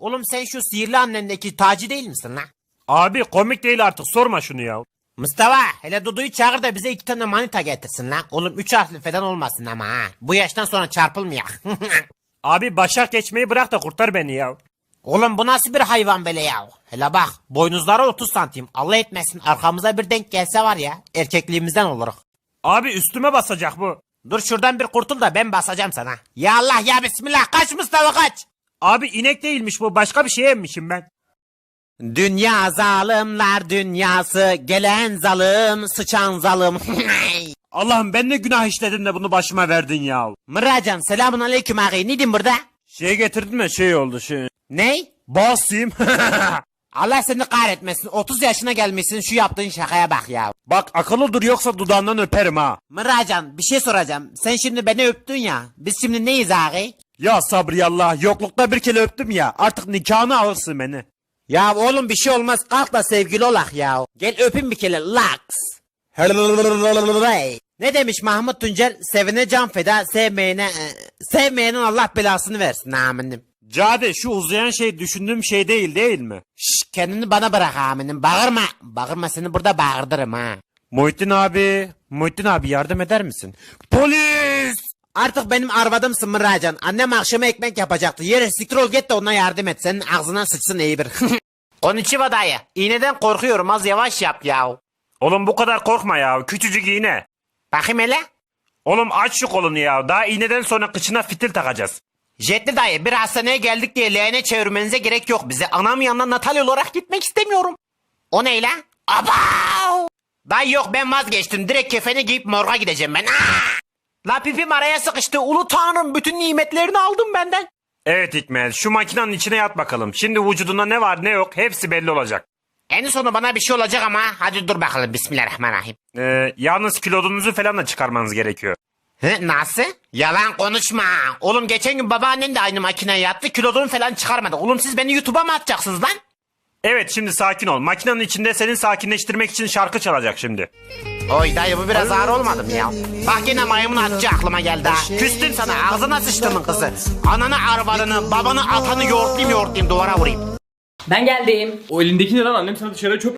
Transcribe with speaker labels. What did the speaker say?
Speaker 1: Oğlum sen şu sihirli annendeki Taci değil misin lan?
Speaker 2: Abi komik değil artık, sorma şunu ya.
Speaker 1: Mustafa hele Dudu'yu çağır da bize 2 tane manita getirsin lan. Oğlum 3 harfli falan olmasın ama ha. Bu yaştan sonra çarpılmayak.
Speaker 2: Abi başak geçmeyi bırak da kurtar beni ya.
Speaker 1: Oğlum bu nasıl bir hayvan böyle ya? Hele bak boynuzları 30 santim. Allah etmesin arkamıza bir denk gelse var ya erkekliğimizden oluruz.
Speaker 2: Abi üstüme basacak bu.
Speaker 1: Dur şuradan bir kurtul da ben basacağım sana. Ya Allah ya Bismillah kaç Mustafa kaç.
Speaker 2: Abi inek değilmiş bu, başka bir şey emmişim ben.
Speaker 1: Dünya zalimler dünyası gelen zalim sıçan zalim.
Speaker 2: Allah'ım ben ne günah işledim de bunu başıma verdin ya.
Speaker 1: Mıracan selamun aleyküm ağay ne diyeyim burada?
Speaker 2: Şey getirdin mi, şey oldu şey.
Speaker 1: Ney?
Speaker 2: Basayım.
Speaker 1: Allah seni kahretmesin 30 yaşına gelmişsin şu yaptığın şakaya bak ya.
Speaker 2: Bak akıllı dur yoksa dudağından öperim ha.
Speaker 1: Mıracan bir şey soracağım sen şimdi beni öptün ya biz şimdi neyiz ağay?
Speaker 2: Ya sabriyallah, yoklukta bir kere öptüm ya, artık nikahını alırsın beni.
Speaker 1: Ya oğlum bir şey olmaz kalk da sevgili olak ya. Gel öpün bir kere laks. Ne demiş Mahmut Tuncer? Sevene can feda, sevmeyenin Allah belasını versin aminim.
Speaker 2: Cade şu uzayan şey düşündüğüm şey değil mi?
Speaker 1: Şşş kendini bana bırak aminim. Bağırma. Bağırma seni burada bağırdırım ha.
Speaker 2: Muhittin abi yardım eder misin? Polis!
Speaker 1: Artık benim arvadımsın Mıracan. Annem akşama ekmek yapacaktı. Yere siktir ol git de ona yardım et. Senin ağzına sıçsın iyi bir. Konnichiwa dayı. İğneden korkuyorum az yavaş yap ya.
Speaker 2: Oğlum bu kadar korkma ya, küçücük iğne.
Speaker 1: Bakayım hele.
Speaker 2: Oğlum aç şu kolunu ya, daha iğneden sonra kıçına fitil takacağız.
Speaker 1: Jetli dayı bir hastaneye geldik diye leğene çevirmenize gerek yok bize. Anam yanına Natalya olarak gitmek istemiyorum. O ne lan? Abav! Dayı yok ben vazgeçtim. Direkt kefeni giyip morga gideceğim ben. La pipim araya sıkıştı. Ulu tanrım bütün nimetlerini aldım benden.
Speaker 2: Evet Hikmet, şu makinenin içine yat bakalım. Şimdi vücudunda ne var ne yok hepsi belli olacak.
Speaker 1: En sonu bana bir şey olacak ama hadi dur bakalım Bismillahirrahmanirrahim.
Speaker 2: Yalnız kilodunuzu falan da çıkarmanız gerekiyor.
Speaker 1: Nasıl? Yalan konuşma. Oğlum geçen gün babaannen de aynı makineye yattı kilodunu falan çıkarmadı. Oğlum siz beni YouTube'a mı atacaksınız lan?
Speaker 2: Evet şimdi sakin ol. Makinenin içinde seni sakinleştirmek için şarkı çalacak şimdi.
Speaker 1: Oy dayı bu biraz ağır olmadı mı ya? Bak yine maymun atıcı aklıma geldi ha. Küstüm sana ağzına sıçtımın kızı. Ananı arvadını babanı atanı yoğurtlayayım duvara vurayım.
Speaker 3: Ben geldim.
Speaker 4: O elindeki ne lan, annem sana dışarıda çöp